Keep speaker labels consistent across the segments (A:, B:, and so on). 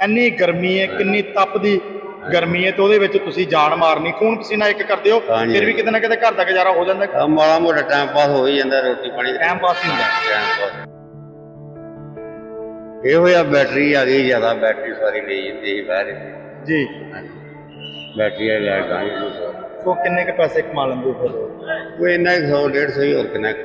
A: ਇੰਨੀ ਗਰਮੀ ਹੈ, ਕਿੰਨੀ ਤਪਦੀ ਗਰਮੀ ਹੈ, ਤੇ ਉਹਦੇ ਵਿੱਚ ਤੁਸੀਂ ਜਾਨ ਮਾਰਨੀ, ਖੂਨ ਪਸੀਨਾ ਇੱਕ ਕਰਦੇ ਹੋ, ਫਿਰ ਵੀ ਕਿਤੇ ਨਾ ਕਿਤੇ ਘਰ ਦਾ ਗੁਜ਼ਾਰਾ ਹੋ ਜਾਂਦਾ।
B: ਮਾੜਾ ਮੋਟਾ ਟਾਈਮ ਪਾਸ ਹੋ ਹੀ ਜਾਂਦਾ, ਰੋਟੀ ਪਾਣੀ
A: ਟਾਈਮ ਪਾਸ ਹੀ ਹੁੰਦਾ।
B: ਟਾਈਮ ਪਾਸ ਇਹੋ ਜਿਹਾ ਬੈਟਰੀ ਆ ਗਈ ਜ਼ਿਆਦਾ, ਬੈਟਰੀ ਸਾਰੀ ਲਈ ਜਾਂਦੀ ਸੀ ਬਾਹਰ
A: ਜੀ।
B: ਬੈਟਰੀ ਵਾਲੀ ਲੈ ਗਾਂਗੇ
A: ਸੋ ਕਿੰਨੇ ਕੁ ਪੈਸੇ ਕਮਾ ਲੈਂਦੇ ਹੋ ਫਿਰ?
B: ਉਹ ਇੰਨਾ 100 150 ਹੀ, ਹੋਰ ਕਿੰਨਾ।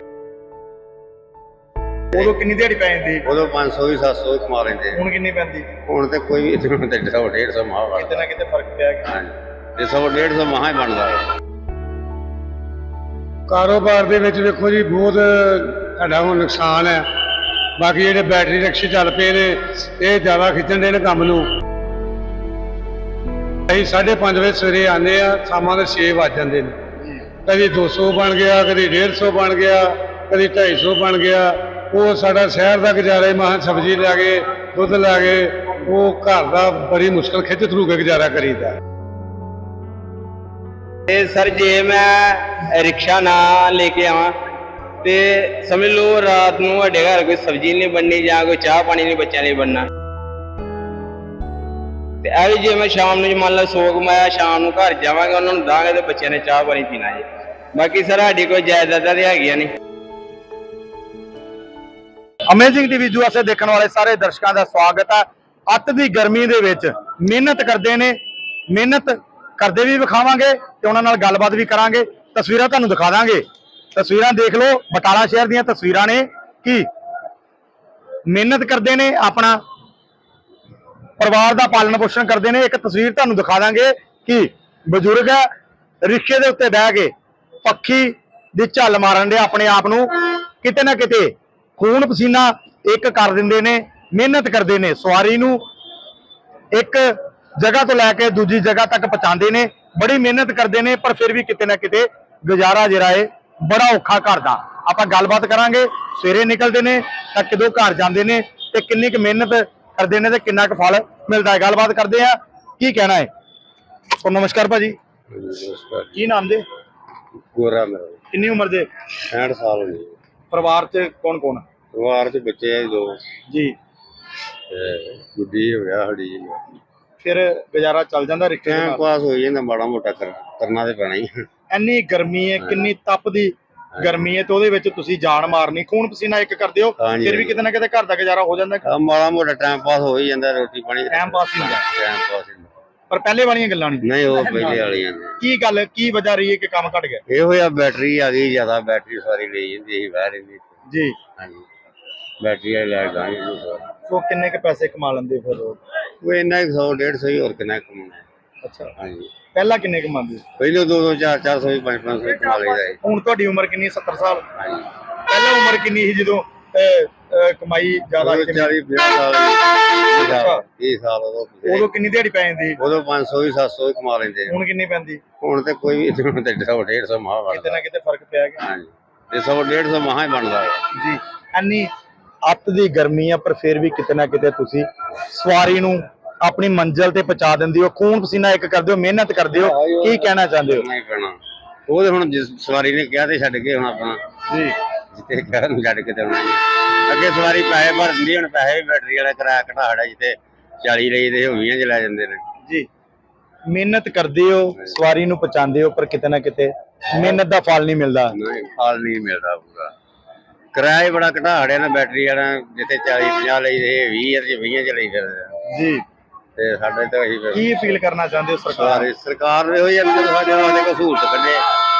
A: ਉਦੋਂ ਕਿੰਨੀ ਦਿਹਾੜੀ ਪੈ ਜਾਂਦੀ?
B: ਉਦੋਂ 500 ਵੀ 700 ਕਮਾ ਲੈਂਦੇ।
A: ਹੁਣ ਕਿੰਨੀ ਪੈਂਦੀ?
B: ਹੁਣ ਤੇ ਕੋਈ ਵੀ 100 150 ਮਾਹ
A: ਕਿਤੇ ਨਾ ਕਿਤੇ ਫਰਕ ਪਿਆ ਗਿਆ।
B: ਹਾਂਜੀ, 100 150 ਮਾਹ ਹੀ ਬਣਦਾ।
C: ਕਾਰੋਬਾਰ ਦੇ ਵਿੱਚ ਵੇਖੋ ਜੀ, ਬਹੁਤ ਸਾਡਾ ਹੁਣ ਨੁਕਸਾਨ ਹੈ। ਬਾਕੀ ਜਿਹੜੇ ਬੈਟਰੀ ਰਿਕਸ਼ੇ ਚੱਲ ਪਏ ਨੇ, ਇਹ ਜ਼ਿਆਦਾ ਖਿੱਚਣ ਦੇ ਨੇ ਕੰਮ ਨੂੰ। ਅਸੀਂ 5:30 ਵਜੇ ਸਵੇਰੇ ਆਉਂਦੇ ਆ, ਸ਼ਾਮਾਂ ਦੇ 6 ਵੱਜ ਜਾਂਦੇ ਨੇ। ਕਦੀ 200 ਬਣ ਗਿਆ, ਕਦੀ 150 ਬਣ ਗਿਆ, ਕਦੀ 250 ਬਣ ਗਿਆ। ਉਹ ਸਾਡਾ ਸ਼ਹਿਰ ਦਾ ਗੁਜ਼ਾਰਾ ਹੀ, ਮਹਾਂ ਸਬਜ਼ੀ ਲੈ ਕੇ, ਦੁੱਧ ਲੈ ਕੇ, ਉਹ ਘਰ ਦਾ ਬੜੀ ਮੁਸ਼ਕਲ ਖਿੱਚ ਥਰੂ ਕੇ ਗੁਜ਼ਾਰਾ ਕਰੀਦਾ।
D: सर जे मैं रिक्शा ना लेके आवा तो समझ लो रात नूं साडे घर कोई सब्जी नहीं बननी या कोई चाह पानी नहीं बच्चों लिए बनना। ते भी जे मैं शाम नूं मान लो 100 कमाया, शाम नूं घर जावांगा उन्होंने दांगे तो बच्चों ने चाह पानी पीना जी। बाकी सर साडी कोई जायदादां ते हैगियां नहीं।
A: ਅਮੇਜ਼ਿੰਗ ਟੀਵੀ USA ਦੇਖਣ ਵਾਲੇ ਸਾਰੇ ਦਰਸ਼ਕਾਂ ਦਾ ਸਵਾਗਤ ਹੈ। ਅੱਤ ਦੀ ਗਰਮੀ ਦੇ ਵਿੱਚ ਮਿਹਨਤ ਕਰਦੇ ਨੇ, ਮਿਹਨਤ ਕਰਦੇ ਵੀ ਵਿਖਾਵਾਂਗੇ ਤੇ ਉਹਨਾਂ ਨਾਲ ਗੱਲਬਾਤ ਵੀ ਕਰਾਂਗੇ। ਤਸਵੀਰਾਂ ਤੁਹਾਨੂੰ ਦਿਖਾ ਦਾਂਗੇ। ਤਸਵੀਰਾਂ ਦੇਖ ਲਓ, ਬਟਾਲਾ ਸ਼ਹਿਰ ਦੀਆਂ ਤਸਵੀਰਾਂ ਨੇ ਕਿ ਮਿਹਨਤ ਕਰਦੇ ਨੇ, ਆਪਣਾ ਪਰਿਵਾਰ ਦਾ ਪਾਲਣ ਪੋਸ਼ਣ ਕਰਦੇ ਨੇ। ਇੱਕ ਤਸਵੀਰ ਤੁਹਾਨੂੰ ਦਿਖਾ ਦਾਂਗੇ ਕਿ ਬਜ਼ੁਰਗ ਹੈ, ਰਿਕਸ਼ੇ ਦੇ ਉੱਤੇ ਬਹਿ ਕੇ ਪੱਖੀ ਦੀ ਝੱਲ ਮਾਰਨ ਦੇ ਆਪਣੇ ਆਪ ਨੂੰ ਕਿਤੇ ਨਾ ਕਿਤੇ ਖੂਨ ਪਸੀਨਾ ਇੱਕ ਕਰ ਦਿੰਦੇ ਨੇ, ਮਿਹਨਤ ਕਰਦੇ ਨੇ, ਸਵਾਰੀ ਨੂੰ ਇੱਕ ਜਗ੍ਹਾ ਤੋਂ ਲੈ ਕੇ ਦੂਜੀ ਜਗ੍ਹਾ ਤੱਕ ਪਹੁੰਚਾਉਂਦੇ ਨੇ, ਬੜੀ ਮਿਹਨਤ ਕਰਦੇ ਨੇ, ਪਰ ਫਿਰ ਵੀ ਕਿਤੇ ਨਾ ਕਿਤੇ ਗੁਜ਼ਾਰਾ ਜਿਹੜਾ ਹੈ ਬੜਾ ਔਖਾ ਕਰਦਾ। ਆਪਾਂ ਗੱਲਬਾਤ ਕਰਾਂਗੇ, ਸਵੇਰੇ ਨਿਕਲਦੇ ਨੇ ਤਾਂ ਕਿਦੋਂ ਘਰ ਜਾਂਦੇ ਨੇ ਤੇ ਕਿੰਨੀ ਕੁ ਮਿਹਨਤ ਕਰਦੇ ਨੇ ਤੇ ਕਿੰਨਾ ਕੁ ਫਲ ਮਿਲਦਾ ਹੈ। ਗੱਲਬਾਤ ਕਰਦੇ ਆ, ਕੀ ਕਹਿਣਾ ਹੈ। ਸੋ ਨਮਸਕਾਰ ਭਾਜੀ,
B: ਨਮਸਕਾਰ।
A: ਕੀ ਨਾਮ ਦੇ?
B: ਗੋਰਾ ਮੇਰਾ,
A: ਕਿੰਨੀ ਉਮਰ ਦੇ?
B: 65 ਸਾਲ ਹੋ ਗਏ।
A: ਪਰਿਵਾਰ 'ਚ ਕੌਣ ਕੌਣ?
B: ਪਰਿਵਾਰ 'ਚ ਬੱਚੇ ਆ 2
A: ਜੀ।
B: ਗੁੱਡੀ ਹੋ ਗਿਆ ਸਾਡੀ।
A: ਫਿਰ ਗੁਜ਼ਾਰਾ ਚੱਲ ਜਾਂਦਾ ਰਿਕਸ਼ੇ
B: ਟਾਈਮ
A: ਨਾਲ?
B: ਪਾਸ ਹੋ ਜਾਂਦਾ, ਮਾੜਾ ਮੋਟਾ ਕਰਨਾ ਤੇ ਪੈਣਾ ਹੀ।
A: ਇੰਨੀ ਗਰਮੀ ਹੈ, ਕਿੰਨੀ ਤਪਦੀ ਗਰਮੀ ਹੈ, ਤੇ ਉਹਦੇ ਵਿੱਚ ਤੁਸੀਂ ਜਾਨ ਮਾਰਨੀ, ਖੂਨ ਪਸੀਨਾ ਇੱਕ ਕਰਦੇ ਹੋ, ਫਿਰ ਵੀ ਕਿਤੇ ਨਾ ਕਿਤੇ ਘਰ ਦਾ ਗੁਜ਼ਾਰਾ ਹੋ ਜਾਂਦਾ।
B: ਮਾੜਾ ਮੋਟਾ ਟਾਈਮ ਪਾਸ ਹੋ ਹੀ ਜਾਂਦਾ, ਰੋਟੀ ਪਾਣੀ
A: ਟਾਈਮ ਪਾਸ ਹੀ ਹੁੰਦਾ।
B: ਟਾਈਮ ਪਾਸ ਹੀ ਹੁੰਦਾ।
A: ਪਰ ਪਹਿਲੇ ਵਾਲੀਆਂ ਗੱਲਾਂ
B: ਨਹੀਂ, ਉਹ ਪਹਿਲੇ ਵਾਲੀਆਂ ਨੇ।
A: ਕੀ ਗੱਲ, ਕੀ ਵਜ੍ਹਾ ਰਹੀ ਹੈ ਕਿ ਕੰਮ ਘਟ ਗਿਆ?
B: ਇਹੋ ਜਿਹਾ ਬੈਟਰੀ ਆ ਗਈ ਜ਼ਿਆਦਾ, ਬੈਟਰੀ ਸਾਰੀ ਲਈ ਜਾਂਦੀ ਸੀ ਬਾਹਰ ਦੀ।
A: ਜੀ।
B: ਹਾਂਜੀ, ਬੈਟਰੀ ਵਾਲੀ ਲੈ ਗਾਂਗੇ।
A: ਸੋ ਕਿੰਨੇ ਕੁ ਪੈਸੇ ਕਮਾ ਲੈਂਦੇ ਹੋ ਫਿਰ?
B: ਉਹ ਇੰਨਾ 100 150 ਹੀ, ਹੋਰ ਕਿੰਨਾ ਕਮਾਉਣਾ।
A: ਅੱਛਾ।
B: ਹਾਂਜੀ,
A: ਪਹਿਲਾਂ ਕਿੰਨੇ ਕਮਾਉਂਦੇ?
B: ਪਹਿਲੇ 200 400 500 ਕਮਾ ਲਈਦਾ।
A: ਹੁਣ ਤੁਹਾਡੀ ਉਮਰ ਕਿੰਨੀ? 70 ਸਾਲ।
B: ਹਾਂਜੀ,
A: ਪਹਿਲਾਂ ਉਮਰ ਕਿੰਨੀ ਸੀ ਜਦੋਂ ਕਮਾਈ ਜ਼ਿਆਦਾ ਸੀ?
B: 40 50 ਸਾਲ, 30 ਸਾਲ।
A: ਉਦੋਂ ਕਿੰਨੀ ਦਿਹਾੜੀ ਪੈ ਜਾਂਦੀ?
B: ਉਦੋਂ 500 ਵੀ 700 ਹੀ ਕਮਾ ਲੈਂਦੇ।
A: ਹੁਣ ਕਿੰਨੀ ਪੈਂਦੀ?
B: ਹੁਣ ਤੇ ਕੋਈ ਵੀ 100 150 ਮਾਹ
A: ਕਿਤੇ
B: ਬਣਦਾ।
A: ਨਾ ਕਿਤੇ ਫਰਕ ਪਿਆ ਗਿਆ।
B: ਹਾਂਜੀ, 100 150 ਮਾਹ ਹੀ ਬਣਦਾ
A: ਜੀ। ਇੰਨੀ ਅੱਤ ਦੀ ਗਰਮੀ ਆ, ਪਰ ਫਿਰ ਵੀ ਕਿਤੇ ਨਾ ਕਿਤੇ ਤੁਸੀਂ ਸਵਾਰੀ ਨੂੰ ਆਪਣੀ ਮੰਜ਼ਿਲ ਤੇ ਪਹੁੰਚਾ ਦਿੰਦੇ ਹੋ, ਖੂਨ ਪਸੀਨਾ ਇੱਕ ਕਰਦੇ ਹੋ, ਮਿਹਨਤ ਕਰਦੇ ਹੋ। ਕੀ ਕਹਿਣਾ ਚਾਹੁੰਦੇ ਹੋ?
B: ਨਹੀਂ ਪੈਣਾ ਉਹ ਤੇ ਹੁਣ ਜਿਸ ਸਵਾਰੀ ਨੇ ਕਿਹਾ ਤੇ ਛੱਡ ਕੇ ਹੁਣ ਆਪਣਾ
A: ਜੀ
B: ਜਿੱਥੇ ਕਿਹਾ ਨੂੰ ਛੱਡ ਕੇ ਤੇ ਆਉਣਾ ਜੀ। ਅੱਗੇ ਸਵਾਰੀ ਪੈਸੇ ਭਰ ਦਿੰਦੀ, ਹੁਣ ਪੈਸੇ ਵੀ ਬੈਟਰੀ ਵਾਲਾ ਕਿਰਾਇਆ ਘਟਾੜਾ, ਜਿੱਥੇ 40 ਲਈ ਦੇ 20 ਚ ਲੈ ਜਾਂਦੇ ਨੇ।
A: ਜੀ। ਮਿਹਨਤ ਕਰਦੇ ਹੋ, ਸਵਾਰੀ ਨੂੰ ਪਹੁੰਚਾਉਂਦੇ ਹੋ, ਪਰ ਕਿਤੇ ਨਾ ਕਿਤੇ ਮਿਹਨਤ ਦਾ ਫਲ ਨਹੀਂ ਮਿਲਦਾ।
B: ਨਹੀਂ, ਫਲ ਨਹੀਂ ਮਿਲਦਾ ਪੂਰਾ। ਕਿਰਾਇਆ ਹੀ ਬੜਾ ਘਟਾੜਿਆ ਨਾ ਬੈਟਰੀ ਵਾਲਾ, ਜਿੱਥੇ 40 50 ਲਈ ਦੇ 20 ਚ 20 ਚ ਲਈ ਫਿਰਦੇ।
A: ਜੀ।
B: ਤੇ ਸਾਡੇ ਤਾਂ ਇਹੀ
A: ਕੀ ਅਪੀਲ ਕਰਨਾ ਚਾਹੁੰਦੇ ਹੋ
B: ਸਰਕਾਰ ਨੇ? ਉਹੀ ਅੰਦਰ ਸਾਡੇ ਵਾਸਤੇ ਕੋਈ ਸਹੂਲਤ ਕੱਢੇ,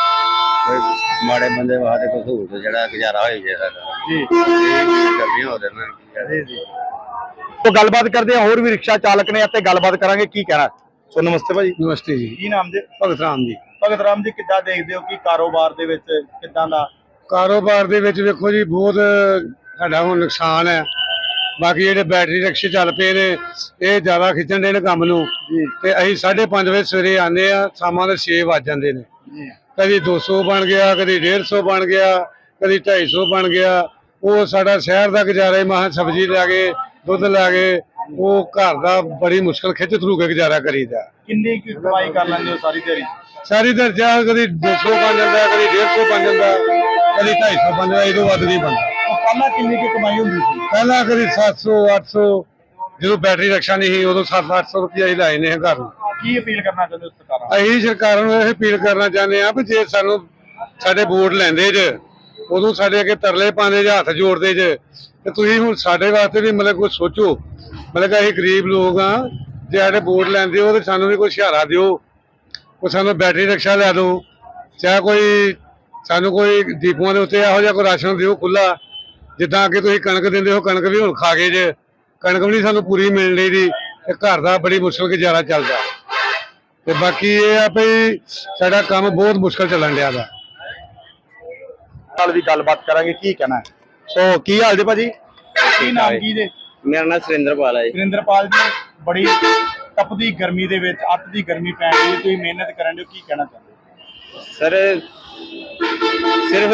B: ਕੋਈ ਮਾੜੇ ਬੰਦੇ ਵਾਸਤੇ ਕੋਈ ਸਹੂਲਤ, ਜਿਹੜਾ ਗੁਜ਼ਾਰਾ ਹੋ ਜਾਏ ਸਾਡਾ।
A: ਜੀ।
B: ਗਰਮੀਆਂ ਹੋ ਦੇਣਾ।
A: ਜੀ ਜੀ। तो गलबात करते हैं, होर भी रिक्शा चालक ने इत्थे गलबात करांगे। की कहना? सो नमस्ते भाजी।
C: ਨਮਸਤੇ ਜੀ।
A: की नाम जे?
C: ਭਗਤ ਰਾਮ ਜੀ।
A: भगत राम जी, किद्दां देखदे हो कि कारोबार दे विच किद्दां दा?
C: ਕਾਰੋਬਾਰ ਦੇ ਵਿੱਚ ਵੇਖੋ ਜੀ, ਬਹੁਤ ਸਾਡਾ ਹੁਣ ਨੁਕਸਾਨ ਹੈ। ਬਾਕੀ ਜਿਹੜੇ ਬੈਟਰੀ ਰਿਕਸ਼ੇ ਚੱਲ ਪਏ ਨੇ, ਇਹ ਜ਼ਿਆਦਾ ਖਿੱਚਣ ਦੇ ਨੇ ਕੰਮ ਨੂੰ। ਤੇ ਅਸੀਂ 5:30 ਵਜੇ ਸਵੇਰੇ ਆਉਂਦੇ ਆ, ਸ਼ਾਮਾਂ ਦੇ 6 ਵੱਜ ਜਾਂਦੇ ਨੇ। ਕਦੀ 200 ਬਣ ਗਿਆ, ਕਦੀ 150 ਬਣ ਗਿਆ, ਕਦੀ 250 ਬਣ ਗਿਆ। ਉਹ ਸਾਡਾ ਸ਼ਹਿਰ ਦਾ ਗੁਜ਼ਾਰਾ ਹੀ, ਮਹਾਂ ਸਬਜ਼ੀ ਲੈ ਕੇ, ਦੁੱਧ ਲੈ ਕੇ, ਉਹ ਘਰ ਦਾ ਬੜੀ ਮੁਸ਼ਕਲ ਖਿੱਚ ਥਰੂ ਕੇ ਗੁਜ਼ਾਰਾ ਕਰੀਦਾ।
A: किन्नी की कमाई कर लैंदे हो सारी दिहाड़ी?
C: ਸਾਰੀ ਦਰਜਾ ਕਦੀ 200 ਬਣ ਜਾਂਦਾ, ਕਦੀ 150 ਬਣ ਜਾਂਦਾ, ਕਦੀ 250 ਬਣ ਜਾਂਦਾ, ਇਹਦੋਂ ਵੱਧ ਨਹੀਂ ਬਣਦਾ।
A: तो पहला किन्नी की कमाई हुंदी सी?
C: ਪਹਿਲਾਂ ਕਦੀ 700 800 ਜਦੋਂ ਬੈਟਰੀ ਰਿਕਸ਼ਾ ਨਹੀਂ ਸੀ ਉਦੋਂ 700-800 ਰੁਪਏ ਹੀ ਲਾਏ ਨੇ ਘਰ ਨੂੰ।
A: ਕੀ ਅਪੀਲ ਕਰਨਾ ਚਾਹੁੰਦੇ ਹੋ ਸਰਕਾਰਾਂ
C: ਅਸੀਂ ਸਰਕਾਰਾਂ ਨੂੰ ਇਹ ਅਪੀਲ ਕਰਨਾ ਚਾਹੁੰਦੇ ਆ ਵੀ ਜੇ ਸਾਨੂੰ ਸਾਡੇ ਵੋਟ ਲੈਂਦੇ ਜੇ ਉਦੋਂ ਸਾਡੇ ਅੱਗੇ ਤਰਲੇ ਪਾਉਂਦੇ ਜੇ, ਹੱਥ ਜੋੜਦੇ ਜੇ, ਤੇ ਤੁਸੀਂ ਹੁਣ ਸਾਡੇ ਵਾਸਤੇ ਵੀ ਮਤਲਬ ਕੁਝ ਸੋਚੋ। ਮਤਲਬ ਕਿ ਅਸੀਂ ਗਰੀਬ ਲੋਕ ਆ, ਜੇ ਸਾਡੇ ਵੋਟ ਲੈਂਦੇ ਹੋ ਤੇ ਸਾਨੂੰ ਵੀ ਕੋਈ ਸਹਾਰਾ ਦਿਓ, ਕੋਈ ਸਾਨੂੰ ਬੈਟਰੀ ਰਿਕਸ਼ਾ ਲੈ ਦਿਓ, ਚਾਹੇ ਕੋਈ ਸਾਨੂੰ ਕੋਈ ਦੀਪੂਆਂ ਦੇ ਉੱਤੇ ਇਹੋ ਜਿਹਾ ਕੋਈ ਰਾਸ਼ਨ ਦਿਓ ਖੁੱਲਾ, ਜਿੱਦਾਂ ਕਿ ਤੁਸੀਂ ਕਣਕ ਦਿੰਦੇ ਹੋ, ਕਣਕ ਵੀ ਹੁਣ ਖਾ ਗਏ ਜੇ, ਕਣਕ ਵੀ ਨਹੀਂ ਸਾਨੂੰ ਪੂਰੀ ਮਿਲ ਰਹੀ ਦੀ, ਤੇ ਘਰ ਦਾ ਬੜੀ ਮੁਸ਼ਕਲ ਗੁਜ਼ਾਰਾ ਚੱਲਦਾ। ਤੇ ਬਾਕੀ ਇਹ ਆ ਵੀ ਸਾਡਾ ਕੰਮ ਬਹੁਤ ਮੁਸ਼ਕਲ ਚੱਲਣ ਡਿਆ ਵਾ।
A: ਨਾਲ ਵੀ ਗੱਲਬਾਤ ਕਰਾਂਗੇ, ਕੀ ਕਹਿਣਾ ਹੈ। ਸੋ ਕੀ ਹਾਲ ਜੀ ਭਾਜੀ, ਕੀ ਨਾਮ ਕੀ ਜੇ?
D: ਮੇਰਾ ਨਾਮ ਸੁਰਿੰਦਰਪਾਲ ਹੈ ਜੀ।
A: ਸੁਰਿੰਦਰਪਾਲ ਜੀ, ਬੜੀ ਤਪਦੀ ਗਰਮੀ ਦੇ ਵਿੱਚ, ਅੱਤ ਦੀ ਗਰਮੀ ਪੈ ਰਹੀ ਹੈ, ਤੁਸੀਂ ਮਿਹਨਤ ਕਰਨ ਦੇ, ਕੀ ਕਹਿਣਾ ਚਾਹੁੰਦੇ ਹੋ?
D: ਸਰ ਸਿਰਫ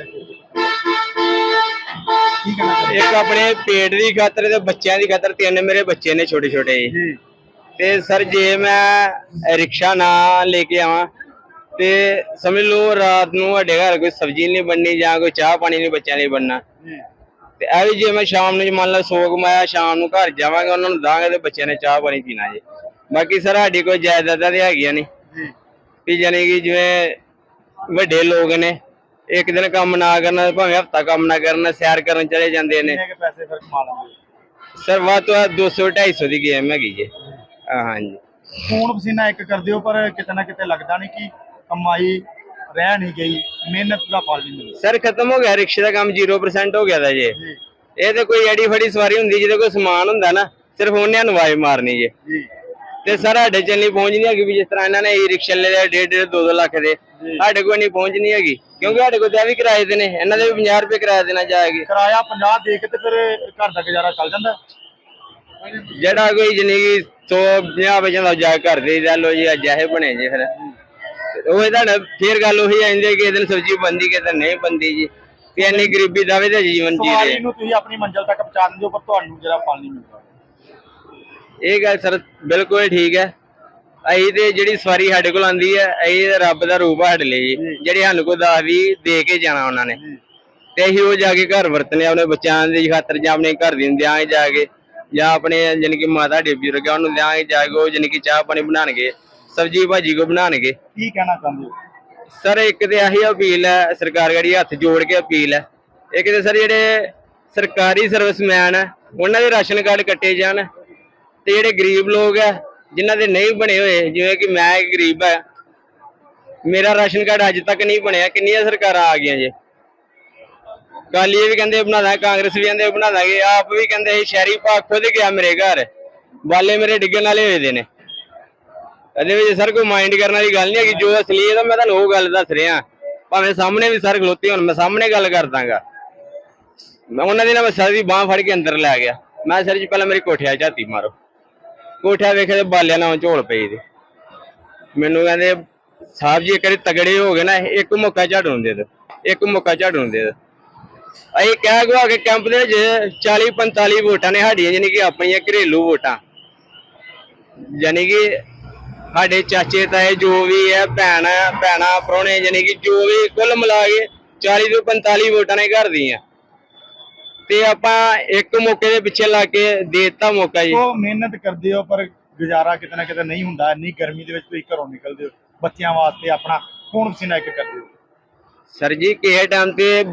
A: ਕੀ ਕਹਿਣਾ ਚਾਹੁੰਦੇ
D: ਇੱਕ ਆਪਣੇ ਪੇਟ ਦੀ ਖਾਤਰ ਤੇ ਬੱਚਿਆਂ ਦੀ ਖਾਤਰ, 3 ਮੇਰੇ ਬੱਚੇ ਨੇ ਛੋਟੇ ਛੋਟੇ
A: ਜੀ?
D: ਤੇ ਸਰ ਜੇ ਮੈਂ ਰਿਕਸ਼ਾ ਨਾ ਲੈ ਕੇ ਆਵਾਂ ਤੇ ਸਮਝ ਲਓ ਰਾਤ ਨੂੰ ਸਾਡੇ ਘਰ ਕੋਈ ਸਬਜ਼ੀ ਨਹੀਂ ਬਣਨੀ ਜਾਂ ਕੋਈ ਚਾਹ ਪਾਣੀ ਨਹੀਂ ਬੱਚਿਆਂ ਲਈ ਬਣਨਾ।
A: ਜੀ
D: ਤੇ ਇਹ ਵੀ ਜੇ ਮੈਂ ਸ਼ਾਮ ਨੂੰ ਮੰਨ ਲਾ ਸੋਗ ਮਾਇਆ ਸ਼ਾਮ ਨੂੰ ਘਰ ਜਾਵਾਂਗੇ ਉਹਨਾਂ ਨੂੰ ਦਾਂਗੇ ਤੇ ਬੱਚਿਆਂ ਨੇ ਚਾਹ ਪਾਣੀ ਪੀਣਾ ਜੀ। ਬਾਕੀ ਸਰ ਸਾਡੀ ਕੋਈ ਜਾਇਦਾਦਾਂ ਤੇ ਹੈਗੀਆਂ ਨਹੀਂ
A: ਜੀ
D: ਵੀ ਜਾਨੀ ਕਿ ਜਿਵੇਂ ਵੱਡੇ ਲੋਕ ਨੇ, ਇੱਕ ਦਿਨ ਕੰਮ ਨਾ ਕਰਨਾ ਭਾਵੇਂ ਹਫਤਾ ਕੰਮ ਨਾ ਕਰਨਾ, ਸੈਰ ਕਰਨ ਚਲੇ ਜਾਂਦੇ ਨੇ।
A: ਕਿੰਨੇ ਕੇ ਪੈਸੇ ਫਿਰ ਕਮਾ ਲਾਂਗੇ?
D: ਸਰ ਵੱਧ ਤੋਂ ਵੱਧ 200-250 ਦੀ ਗੇਮ ਹੈਗੀ ਜੀ। ਹਾਂਜੀ
A: ਖੂਨ ਪਸੀਨਾ ਇੱਕ ਕਰਦੇ ਹੋ, ਪਰ ਕਿਤੇ ਨਾ ਕਿਤੇ ਲੱਗਦਾ ਨਹੀਂ ਕਿ ਕਮਾਈ ਰਹਿ ਨਹੀਂ ਗਈ, ਮਿਹਨਤ ਦਾ ਫਲ ਨਹੀਂ ਮਿਲਿਆ।
D: ਸਰ ਖਤਮ ਹੋ ਗਿਆ ਰਿਕਸ਼ੇ ਦਾ ਕੰਮ, 0% ਹੋ ਗਿਆ ਦਾ ਜੀ।
A: ਜੀ
D: ਇਹ ਤੇ ਕੋਈ ਐਡੀ ਫੜੀ ਸਵਾਰੀ ਹੁੰਦੀ ਜਿਹਦੇ ਕੋਈ ਸਮਾਨ ਹੁੰਦਾ ਨਾ, ਸਿਰਫ ਉਹਨੇ ਨੂੰ ਆਵਾਜ਼ ਮਾਰਨੀ ਜੀ।
A: ਜੀ
D: ਤੇ ਸਰ ਸਾਡੇ ਚ ਨਹੀਂ ਪਹੁੰਚ ਨਹੀਂ ਹੈਗੀ ਵੀ ਜਿਸ ਤਰ੍ਹਾਂ ਇਹਨਾਂ ਨੇ ਈ ਰਿਕਸ਼ਾ ਲੈ ਲਿਆ 1.5 2 ਲੱਖ ਦੇ, ਸਾਡੇ ਕੋਲ ਨਹੀਂ ਪਹੁੰਚ ਨਹੀਂ ਹੈਗੀ ਕਿਉਂਕਿ ਸਾਡੇ ਕੋਲ ਤਾਂ ਵੀ ਕਿਰਾਏ ਦੇ ਨੇ, ਇਹਨਾਂ ਦੇ ਵੀ 50 ਰੁਪਏ ਕਿਰਾਇਆ ਦੇਣਾ ਜਾਏਗੀ।
A: ਕਿਰਾਇਆ 50 ਦੇ ਕੇ ਤੇ ਫਿਰ ਘਰ ਦਾ ਗੁਜ਼ਾਰਾ ਚੱਲ ਜਾਂਦਾ।
D: ਜਿਹੜਾ ਕੋਈ ਜਨੀ 150 ਵਜੇ ਦਾ ਜਾ ਘਰ ਦੇ ਲੈ ਲੋ ਜੀ, ਅੱਜ ਇਹ ਬਣੇ ਜੀ। ਫਿਰ ਉਹ ਇਹਦਾ ਫਿਰ ਗੱਲ ਉਹੀ ਆ ਜਾਂਦੀ ਕਿ ਇਹ ਦਿਨ ਸਬਜ਼ੀ ਬਣਦੀ ਕਿ ਦਿਨ ਨਹੀਂ ਬਣਦੀ ਜੀ, ਤੇ ਇੰਨੀ ਗਰੀਬੀ ਦਾ ਵੀ ਤੇ ਜੀਵਨ ਜੀ
A: ਸਵਾਰੀ
D: ਰਹੇ।
A: ਨੂੰ ਤੁਸੀਂ ਆਪਣੀ ਮੰਜ਼ਿਲ ਤੱਕ ਪਹੁੰਚਾ ਦਿੰਦੇ ਹੋ, ਪਰ ਤੁਹਾਨੂੰ ਜਿਹੜਾ ਫਲ ਨਹੀਂ ਮਿਲਦਾ।
D: ਇਹ ਗੱਲ ਸਰ ਬਿਲਕੁਲ ਠੀਕ ਹੈ। ਅਸੀਂ ਤੇ ਜਿਹੜੀ ਸਵਾਰੀ ਸਾਡੇ ਕੋਲ ਆਂਦੀ ਹੈ, ਅਸੀਂ ਰੱਬ ਦਾ ਰੂਪ ਆ ਸਾਡੇ ਲਈ ਜੀ, ਜਿਹੜੀ ਸਾਨੂੰ ਕੋਈ 10-20 ਦੇ ਕੇ ਜਾਣਾ ਉਹਨਾਂ ਨੇ, ਤੇ ਅਸੀਂ ਉਹ ਜਾ ਕੇ ਘਰ ਵਰਤਨੇ ਆਪਣੇ ਬੱਚਿਆਂ ਦੀ ਖਾਤਰ, ਜਾਂ ਆਪਣੇ ਘਰ ਦੀ ਦਿਆਂਗੇ ਜਾ ਕੇ, ਜਾਂ ਆਪਣੇ ਜਾਣੀ ਕਿ ਮਾਤਾ ਡੇਬੀ ਰਗਾ ਉਹਨੂੰ ਦਿਆਂਗੇ ਜਾ ਕੇ, ਉਹ ਜਾਣੀ ਕਿ ਚਾਹ ਪਾਣੀ ਬਣਾਉਣਗੇ, ਸਬਜ਼ੀ ਭਾਜੀ ਕੋ ਬਣਾਉਣਗੇ।
A: ਕੀ ਕਹਿਣਾ ਚਾਹੁੰਦੇ ਹੋ?
D: ਸਰ ਇੱਕ ਤੇ ਆਹੀ ਅਪੀਲ ਹੈ ਸਰਕਾਰ ਗੜੀ ਹੱਥ ਜੋੜ ਕੇ ਅਪੀਲ ਹੈ, ਇੱਕ ਤੇ ਸਰ ਜਿਹੜੇ ਸਰਕਾਰੀ ਸਰਵਿਸਮੈਨ ਹੈ ਉਹਨਾਂ ਦੇ ਰਾਸ਼ਨ ਕਾਰਡ ਕੱਟੇ ਜਾਣ, ਤੇ ਜਿਹੜੇ ਗਰੀਬ ਲੋਕ ਹੈ ਜਿਨ੍ਹਾਂ ਦੇ ਨਹੀਂ ਬਣੇ ਹੋਏ, ਜਿਵੇਂ ਕਿ ਮੈਂ ਇੱਕ ਗਰੀਬ ਹੈ, ਮੇਰਾ ਰਾਸ਼ਨ ਕਾਰਡ ਅੱਜ ਤੱਕ ਨਹੀਂ ਬਣਿਆ। ਕਿੰਨੀਆਂ ਸਰਕਾਰਾਂ ਆ ਗਈਆਂ ਜੇ, ਕਾਲੀ ਵੀ ਕਹਿੰਦੇ ਬਣਾ ਦਾਂਗੇ, ਕਾਂਗਰਸ ਵੀ ਕਹਿੰਦੇ ਬਣਾ ਦਾਂਗੇ, ਆਪ ਵੀ ਕਹਿੰਦੇ ਸੀ। ਸ਼ਹਿਰੀ ਭਾਗ ਖੁਦ ਗਿਆ ਮੇਰੇ ਘਰ, ਬਾਲੇ ਮੇਰੇ ਡਿੱਗਣ ਵਾਲੇ ਹੋਏ ਦੇ ਨੇ। ਇਹਦੇ ਵਿੱਚ ਸਰ ਕੋਈ ਮਾਈਂਡ ਕਰਨ ਵਾਲੀ ਗੱਲ ਨਹੀਂ ਹੈਗੀ, ਜੋ ਅਸਲੀਅਤ ਹੈ ਮੈਂ ਤੁਹਾਨੂੰ ਉਹ ਗੱਲ ਦੱਸ ਰਿਹਾ। ਭਾਵੇਂ ਸਾਹਮਣੇ ਵੀ ਸਰ ਖਲੋਤੀ ਹੁਣ ਮੈਂ ਸਾਹਮਣੇ ਗੱਲ ਕਰ ਦਾਂਗਾ। ਮੈਂ ਉਹਨਾਂ ਦੀ ਨਾ ਸਰ ਦੀ ਬਾਂਹ ਫੜ ਕੇ ਅੰਦਰ ਲੈ ਗਿਆ, ਮੈਂ ਸਰ ਜੀ ਪਹਿਲਾਂ ਮੇਰੀ ਕੋਠਿਆ ਝਾਤੀ ਮਾਰੋ, ਕੋਠਿਆ ਵੇਖੇ ਤੇ ਬਾਲਿਆਂ ਨਾਲ ਝੋਲ ਪਈ ਦੇ। ਮੈਨੂੰ ਕਹਿੰਦੇ ਸਾਹਿਬ ਜੀ ਇੱਕ ਵਾਰੀ ਤਗੜੇ ਹੋ ਗਏ ਨਾ, ਇੱਕ ਮੌਕਾ ਝਾੜੂ ਨੂੰ ਦੇ ਦਿਓ, ਇੱਕ ਮੌਕਾ ਝਾੜੂ ਨੂੰ ਦੇ ਦਿਓ। ਅਸੀਂ ਕਹਿ ਗਵਾ ਕੇ ਕੈਂਪ ਦੇ ਵਿੱਚ 40-45 ਵੋਟਾਂ ਨੇ ਸਾਡੀਆਂ, ਯਾਨੀ ਕਿ ਆਪਣੀਆਂ ਘਰੇਲੂ ਵੋਟਾਂ, ਯਾਨੀ ਕਿ ਸਾਡੇ ਚਾਚੇ ਤਾਏ ਜੋ ਵੀ ਹੈ, ਭੈਣਾਂ ਪ੍ਰਾਹੁਣੇ, ਯਾਨੀ ਕਿ ਜੋ ਵੀ ਕੁੱਲ ਮਿਲਾ ਕੇ 40 ਤੋਂ 45 ਵੋਟਾਂ ਨੇ ਘਰ ਦੀਆਂ, ਤੇ ਆਪਾਂ ਇੱਕ ਮੌਕੇ ਦੇ ਪਿੱਛੇ ਲਾ ਕੇ ਦੇ ਦਿੱਤਾ ਮੌਕਾ ਜੀ।
A: ਉਹ ਮਿਹਨਤ ਕਰਦੇ ਹੋ ਪਰ ਗੁਜ਼ਾਰਾ ਕਿਤੇ ਨਾ ਕਿਤੇ ਨਹੀਂ ਹੁੰਦਾ। ਇੰਨੀ ਗਰਮੀ ਦੇ ਵਿੱਚ ਤੁਸੀਂ ਘਰੋਂ ਨਿਕਲਦੇ ਹੋ, ਬੱਚਿਆਂ ਵਾਸਤੇ ਆਪਣਾ ਖੂਨ ਪਸੀਨਾ ਇੱਕ ਕਰਦੇ ਹੋ।
D: ਸਰ ਜੀ ਕਿਸੇ ਟਾਈਮ ਤੇ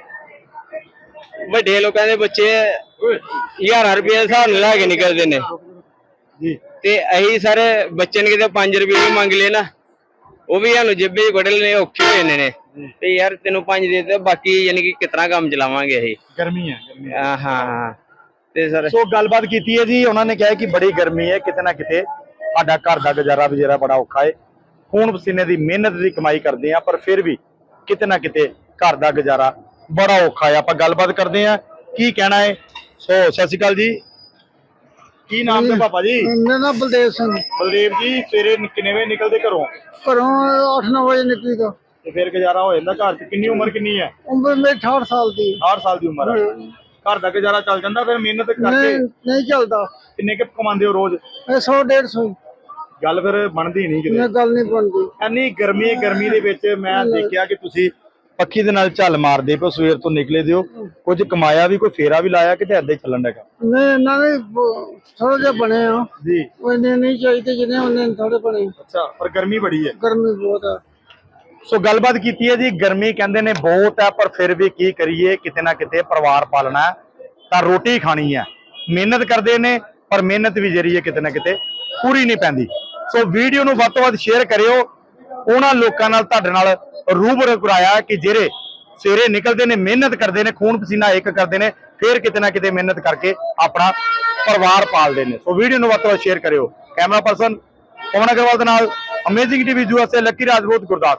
D: ਵੱਡੇ ਲੋਕਾਂ ਦੇ ਬੱਚੇ 1000 ਰੁਪਏ ਦੇ ਹਿਸਾਬ ਨਾਲ ਲੈ ਕੇ ਨਿਕਲਦੇ ਨੇ
A: ਜੀ,
D: ਤੇ ਅਸੀਂ ਸਰ ਬੱਚੇ ਨੇ ਕਿਤੇ 5 ਰੁਪਏ ਵੀ ਮੰਗ ਲਏ ਨਾ, ਉਹ ਵੀ ਸਾਨੂੰ ਜੇਬੇ ਕੱਢ ਲੈਣੇ ਔਖੇ ਹੋਏ ਨੇ। ਤੇ ਯਾਰ ਤੈਨੂੰ 5 ਦੇ ਤੇ ਬਾਕੀ ਯਾਨੀ ਕਿ ਕਿਤਨਾ ਕੰਮ ਚਲਾਵਾਂਗੇ ਅਸੀਂ।
A: ਗਰਮੀ ਹੈ।
D: ਹਾਂ ਤੇ ਸਰ
A: ਸੋ ਗੱਲਬਾਤ ਕੀਤੀ ਹੈ ਜੀ, ਉਹਨਾਂ ਨੇ ਕਿਹਾ ਕਿ ਬੜੀ ਗਰਮੀ ਹੈ, ਕਿਤੇ ਨਾ ਕਿਤੇ ਸਾਡਾ ਘਰ ਦਾ ਗੁਜ਼ਾਰਾ ਵਜੇਰਾ ਬੜਾ ਔਖਾ ਹੈ, ਖੂਨ ਪਸੀਨੇ ਦੀ ਮਿਹਨਤ ਦੀ ਕਮਾਈ ਕਰਦੇ ਆ, ਪਰ ਫਿਰ ਵੀ ਕਿਤੇ ਨਾ ਕਿਤੇ ਘਰ ਦਾ ਗੁਜ਼ਾਰਾ ਬੜਾ ਔਖਾ ਹੈ। ਆਪਾਂ ਗੱਲਬਾਤ ਕਰਦੇ ਆ, ਕੀ ਕਹਿਣਾ ਹੈ। ਸੋ ਸਤਿ ਸ਼੍ਰੀ ਅਕਾਲ ਜੀ, ਕੀ ਨਾਮ ਹੈ ਪਾਪਾ ਜੀ?
C: ਮੇਰਾ ਨਾਮ ਬਲਦੇਵ ਸਿੰਘ।
A: ਬਲਦੇਵ ਜੀ, ਸਵੇਰੇ ਕਿੰਨੇ ਵਜੇ ਨਿਕਲਦੇ ਘਰੋਂ?
C: ਘਰੋਂ 8-9 ਵਜੇ ਨਿਕਲੀਦਾ,
A: ਤੇ ਫਿਰ ਗੁਜ਼ਾਰਾ ਹੋ ਜਾਂਦਾ ਘਰ 'ਚ? ਕਿੰਨੀ ਉਮਰ ਕਿੰਨੀ ਹੈ?
C: ਉਮਰ ਮੇਰੀ 68 ਸਾਲ ਦੀ।
A: 8 ਸਾਲ ਦੀ ਉਮਰ ਹੈ। ਘਰ ਦਾ ਗੁਜ਼ਾਰਾ ਚੱਲ ਜਾਂਦਾ ਫਿਰ ਮਿਹਨਤ ਕਰਕੇ?
C: ਨਹੀਂ ਚੱਲਦਾ।
A: ਕਿੰਨੇ ਕੁ ਕਮਾਉਂਦੇ ਹੋ ਰੋਜ਼?
C: 100-150।
A: ਗੱਲ ਫਿਰ ਬਣਦੀ ਨਹੀਂ ਕਿਤੇ,
C: ਗੱਲ ਨਹੀਂ ਬਣਦੀ।
A: ਇੰਨੀ ਗਰਮੀ ਦੇ ਵਿੱਚ ਮੈਂ ਦੇਖਿਆ ਕਿ ਤੁਸੀਂ ਪੱਖੀ ਦੇ ਨਾਲ ਝੱਲ ਮਾਰਦੇ ਪਏ ਸਵੇਰ ਤੋਂ ਨਿਕਲੇ ਦਿਓ, ਕੁਝ ਕਮਾਇਆ ਵੀ, ਕੋਈ ਫੇਰਾ ਵੀ ਲਾਇਆ ਕਿ ਏਦਾਂ ਹੀ ਚੱਲਣ ਲੱਗਾ?
C: ਨਹੀਂ ਇਹਨਾਂ ਦੇ ਥੋੜੇ ਜਿਹਾ ਬਣੇ ਆ,
A: ਜੀ
C: ਉਹ ਇੰਨੇ ਨਹੀਂ ਚਾਹੀਦੇ ਜਿੰਨੇ ਉਹਨੇ ਥੋੜੇ ਬਣੇ।
A: ਅੱਛਾ, ਪਰ ਗਰਮੀ ਬੜੀ ਹੈ।
C: ਗਰਮੀ ਬਹੁਤ ਆ।
A: ਸੋ ਗੱਲਬਾਤ ਕੀਤੀ ਹੈ ਜੀ, ਗਰਮੀ ਕਹਿੰਦੇ ਨੇ ਬਹੁਤ ਹੈ, ਪਰ ਫਿਰ ਵੀ ਕੀ ਕਰੀਏ, ਕਿਤੇ ਨਾ ਕਿਤੇ ਪਰਿਵਾਰ ਪਾਲਣਾ ਹੈ ਤਾਂ ਰੋਟੀ ਖਾਣੀ ਹੈ। ਮਿਹਨਤ ਕਰਦੇ ਨੇ ਪਰ ਮਿਹਨਤ ਵੀ ਜਿਹੜੀ ਹੈ ਕਿਤੇ ਨਾ ਕਿਤੇ ਪੂਰੀ ਨਹੀਂ ਪੈਂਦੀ। ਸੋ ਵੀਡੀਓ ਨੂੰ ਵੱਧ ਤੋਂ ਵੱਧ ਸ਼ੇਅਰ ਕਰਿਓ, ਉਹਨਾਂ ਲੋਕਾਂ ਨਾਲ ਤੁਹਾਡੇ ਨਾਲ ਰੂਬਰੂ ਕਰਾਇਆ ਕਿ ਜਿਹੜੇ ਸਵੇਰੇ ਨਿਕਲਦੇ ਨੇ, ਮਿਹਨਤ ਕਰਦੇ ਨੇ, ਖੂਨ ਪਸੀਨਾ ਇੱਕ ਕਰਦੇ ਨੇ, ਫਿਰ ਕਿਤੇ ਨਾ ਕਿਤੇ ਮਿਹਨਤ ਕਰਕੇ ਆਪਣਾ ਪਰਿਵਾਰ ਪਾਲਦੇ ਨੇ। ਸੋ ਵੀਡੀਓ ਨੂੰ ਵੱਧ ਤੋਂ ਵੱਧ ਸ਼ੇਅਰ ਕਰਿਓ। ਕੈਮਰਾ ਪਰਸਨ ਪਵਨ ਅਗਰਵਾਲ ਦੇ ਨਾਲ amazing TV USA, Lucky Rajput, Gurdaspur.